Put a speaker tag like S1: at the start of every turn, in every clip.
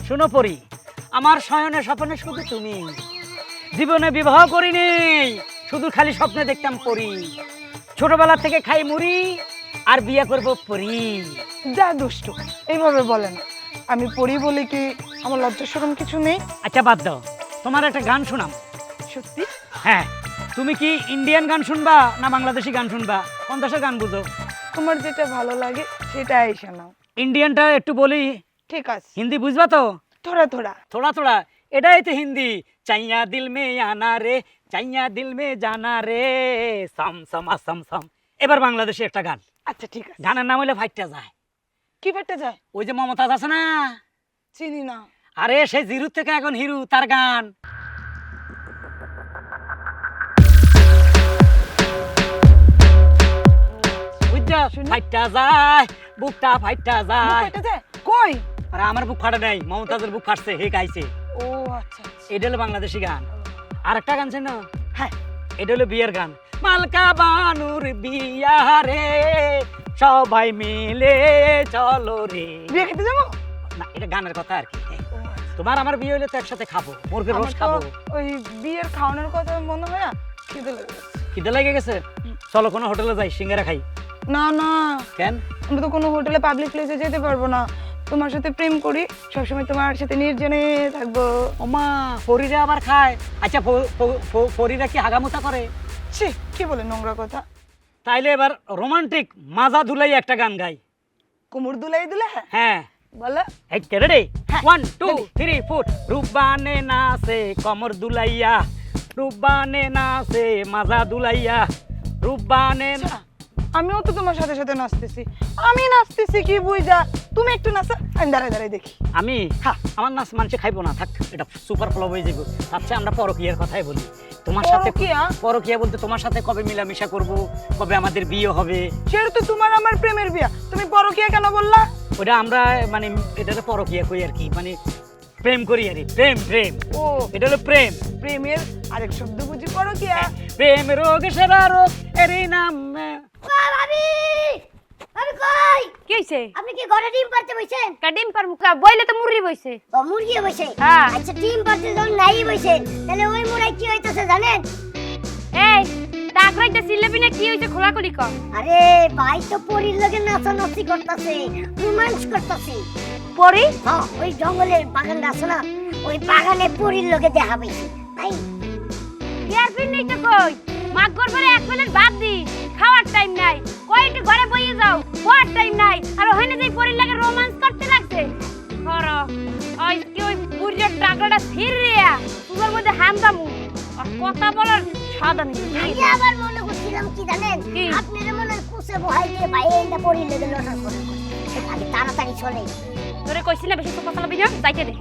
S1: শোনো পরি, আমার শয়নে স্বপ্নে শুধু তুমি। জীবনে বিবাহ করিনি, শুধু খালি স্বপ্নে দেখতাম পরি। ছোটবেলা থেকে খাই মুড়ি আর বিয়ে করব পরি।
S2: যা দুষ্টু, এইভাবে বলে না। আমি পড়ি বলে কি আমার লজ্জা শরম কিছু নেই?
S1: আচ্ছা বাদ দাও, তোমার একটা গান শোনাম।
S2: সত্যি?
S1: হ্যাঁ, তুমি কি ইন্ডিয়ান গান শুনবা না বাংলাদেশি গান শুনবা? কোন দেশের গান বুঝো?
S2: তোমার যেটা ভালো লাগে সেটাই শোনাও।
S1: ইন্ডিয়ানটা একটু বলি।
S2: ঠিক আছে।
S1: হিন্দি বুঝবা তো?
S2: থোড়া থোড়া।
S1: থোড়া থোড়া, এটাই তো হিন্দি। চাইয়া দিল মে আনা রে, চাইয়া দিল মে জানা রে, সাম সামা সাম সাম। এবার বাংলাদেশে একটা গান।
S2: আচ্ছা ঠিক আছে।
S1: গানের নাম হইলে ফাইটটা যায়।
S2: কি ফেটে যায়?
S1: ওই যে মমতাজ আছে না,
S2: চিনি না।
S1: আরে সেই জিরু থেকে এখন হিরু, তার গান। বুঝছো?
S2: শুনি।
S1: ফাইটটা যায়, বুকটা ফাইটটা
S2: মুখ
S1: যায়।
S2: ফেটে যায়? কই?
S1: আরে আমার বুক ফাটে নাই, মমতাজের বুক ফাটছে, হে গাইছে।
S2: ও আচ্ছা আচ্ছা।
S1: এটা হলো বাংলাদেশি গান। আর একটা গান ছিল,
S2: হ্যাঁ,
S1: এটা হলো বিয়ের গান। মালকা বানুর বিয়া রে, সবাই মিলে চলো রে।
S2: বিয়ে খেতে যাবো?
S1: না, এটা গানের কথা আর কি।
S2: ও আচ্ছা।
S1: তোমার আমার বিয়ে হলে তো একসাথে খাবো, মুরগির
S2: আমার
S1: রোজ
S2: তো
S1: খাবো।
S2: ওই বিয়ের খাওয়ানোর কথা মনে হয় না, খিদে লেগে গেছে।
S1: খিদে লেগে গেছে? চলো কোনো হোটেলে যাই, সিঙ্গারা খাই।
S2: না না,
S1: কেন?
S2: আমরা তো কোনো হোটেলে পাবলিক প্লেসে যেতে পারবো না। তোমার সাথে প্রেম করি, সবসময় তোমার সাথে নির্জনে থাকবো।
S1: ওমা, ফরিরা আবার খায়? আচ্ছা, ফরিরা কি হাগামুতা করে?
S2: ছি, কি বলে নোংরা কথা।
S1: তাইলে এবার রোমান্টিক মাজা ধুলাই একটা গান গাই।
S2: কুমুর দুলাই দিলে?
S1: হ্যাঁ,
S2: বলো।
S1: এই রে,
S2: হ্যাঁ,
S1: 1 2 3 4। রুবানে নাচে কমর দুলাইয়া, রুবানে নাচে মাজা দুলাইয়া, রুবানে না।
S2: আমিও তো তোমার সাথে সাথে নাচতেছি। আমি নাচতেছি কি বুঝা, তুমি একটু নাচো, আমি দাঁড়ায় দাঁড়ায় দেখি।
S1: আমি?
S2: হ্যাঁ।
S1: আমার নাচ মানুষে খাইবো না, থাক, এটা সুপার ফ্লপ হয়ে যাবে। তার চেয়ে আমরা পরকীয়ার কথাই বলি। তোমার সাথে
S2: পরকীয়া?
S1: পরকীয়া বলতে তোমার সাথে কবে মিলামিশা করব, কবে আমাদের বিয়ে হবে।
S2: সেটা তো তোমার আমার প্রেমের বিয়া, তুমি পরকীয়া কেন বললা?
S1: ওটা আমরা মানে এটাতে পরকীয়া কই আর কি, মানে প্রেম করি আর কি। প্রেম প্রেম,
S2: ও,
S1: এটা হলো প্রেম।
S2: প্রেমের আরেক শব্দ বুঝি পরকীয়া।
S1: প্রেম রোগ সেরা রোগ এরই নাম।
S3: ভাবি ভাবি কই
S4: কি হইছে?
S3: আপনি কি ঘরে ডিম পারতে বসেন?
S4: কা ডিম পার মুকা বইলে তো মুররি বইছে।
S3: ও মুরগি বসে?
S4: হ্যাঁ।
S3: আচ্ছা ডিম পারতে যখন নাই বসেন, তাহলে ওই মুরাই কি হইতাছে জানেন?
S4: এই টাকরাইতে সিলেবি না কি হইছে খোলাখুলি কর।
S3: আরে ভাই তো পরির লগে নাচানাচি করতেছে, রোমান্স করতেছে।
S4: পরি
S3: হ্যাঁ, ওই জঙ্গলের বাগানটা আছে না, ওই বাগানে পরির লগে দেখা পাইছি তাই।
S4: ইয়ার পিন নেই তো কই মাগর পরে এক প্লেট ভাত দি খাওয়ার টাইম নাই, কয়টি ঘরে বইয়ে যাও খাওয়ার টাইম নাই, আর ওখানে যেই পরির লাগে রোমান্স করতে লাগছে। কর ওই কি ওই বুড়ির টাকরাটা ফিরিয়া তোমার মধ্যে হামদামু আর কথা বলার সাদা নেই।
S3: আমি আবার মনে করছিলাম কি জানেন,
S4: কি?
S3: আপনার মনে হয় কুসে বহাই দিয়ে ভাই এইটা পরির লগে লটার করে। আমি তাড়াতাড়ি চলে।
S4: তোরে কইছি না বেশি তো কথা বলবি না, যাইতে দে।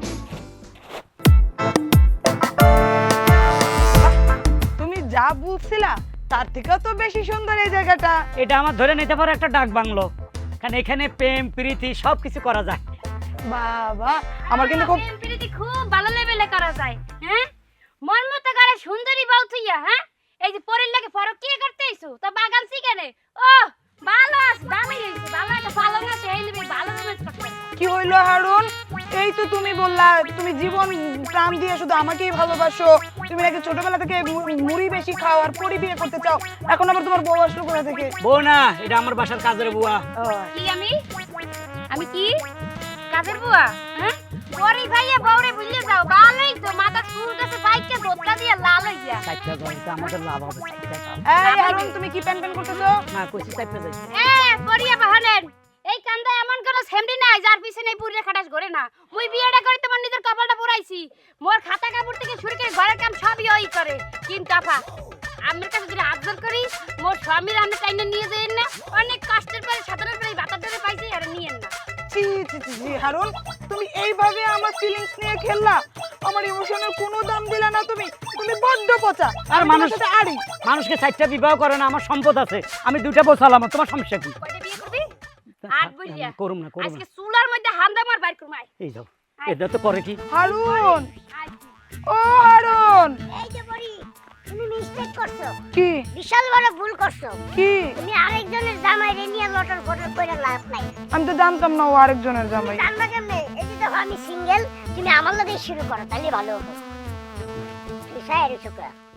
S2: তুমি যা বলছিলা তার থেকেও তো বেশি সুন্দর এই জায়গাটা।
S1: এটা আমার ধরে নিতে পারে একটা ডাক বাংলো, কারণ এখানে প্রেম প্রীতি সবকিছু করা যায়।
S2: বাবা, আমার কিন্তু খুব
S4: প্রেম প্রীতি খুব ভালো লেভেলে করা যায়। হ্যাঁ, মন মতো করে সুন্দরী বউ থইয়া, হ্যাঁ এই যে পরের লাগে ফরক কি করতে আইছো তো বাগান শিখানে। ও ভালো আছে, দামি হইছে, ভালো একটা ভালো না সেই নেবে, ভালো রোমান্স করতে।
S2: কি হইলো হারুন? এই তো তুমি বললা তুমি জীবন প্রাণ দিয়ে শুধু আমাকেই ভালোবাসো, তুমি নাকি ছোটবেলা থেকে মুড়ি বেশি খাও আর পরি বিয়ে করতে চাও, এখন আবার তোমার বউ আসলো কোথা থেকে?
S1: বউ না, এটা আমার বাসার কাজের বুয়া।
S4: কি আমি আমি কি কাজের বুয়া? হ্যাঁ পরি ভাইয়া বউরে ভুলে যাও, ভালোই তো মাথা চুল কাছে বাইকে ধোতলা দিয়ে লাল হইয়া।
S1: চারটা জমিতে আমাদের লাভ হবে, চারটা যাও।
S2: এই হারুন, তুমি কি প্যান প্যান করতেছো?
S1: না, কইছি চারটা যাই।
S4: পরিয়া বাহানেন এই কান্দায় এমন কোন সেমডি নাই যার পিছনে এই বুড়িয়ে খাটাস করে না। মুই বিয়েটা করে তোমার নিজের কপালটা পুরাইছি, মোর খাতা কাপড় থেকে শুরু করে ঘরের কাম সবই ওই করে। কিন্তু আপা আমার কাছে যদি আবদার করি, মোর স্বামীর আমি টাইনে নিয়ে যাই না, অনেক কষ্টের পরে সাধারণ করে ভাতার ধরে পাইছি আর নিয়েন না।
S2: ছি ছি ছি ছি, হারুন তুমি এইভাবে আমার ফিলিংস নিয়ে খেললা, আমার ইমোশনের কোনো দাম দিলা না। তুমি তুমি বড্ড পচা।
S1: আর
S2: আমি
S1: মানুষ
S2: তোমার সাথে আড়ি।
S1: মানুষকে চারটা বিবাহ করে না, আমার সম্পদ আছে, আমি দুইটা বউ চালাম, তোমার সমস্যা কি?
S4: কয়টা বিয়ে করবি? আট বলিয়া
S1: করুম না, করুম
S4: আজকে
S1: না।
S4: চুলার মধ্যে হামদা মার বাইর করমাই।
S1: এই যাও, এটা তো করে কি?
S2: হারুন, ও হারুন।
S3: এই যে পরি, তুমি মিস্টেক করছো,
S2: কি
S3: বিশাল বড় ভুল করছো।
S2: কি?
S3: তুমি আরেকজনের জামাই রে নিয়ে লটর ফটর করে লাভ নাই।
S2: আমি তো জানতাম না ও আরেকজনের জামাই।
S3: জানবা কেমনে? এই যে দেখো আমি সিঙ্গেল, তুমি আমার লগেই শুরু করো, তাহলে ভালো হবে। তুই সাইড সুকা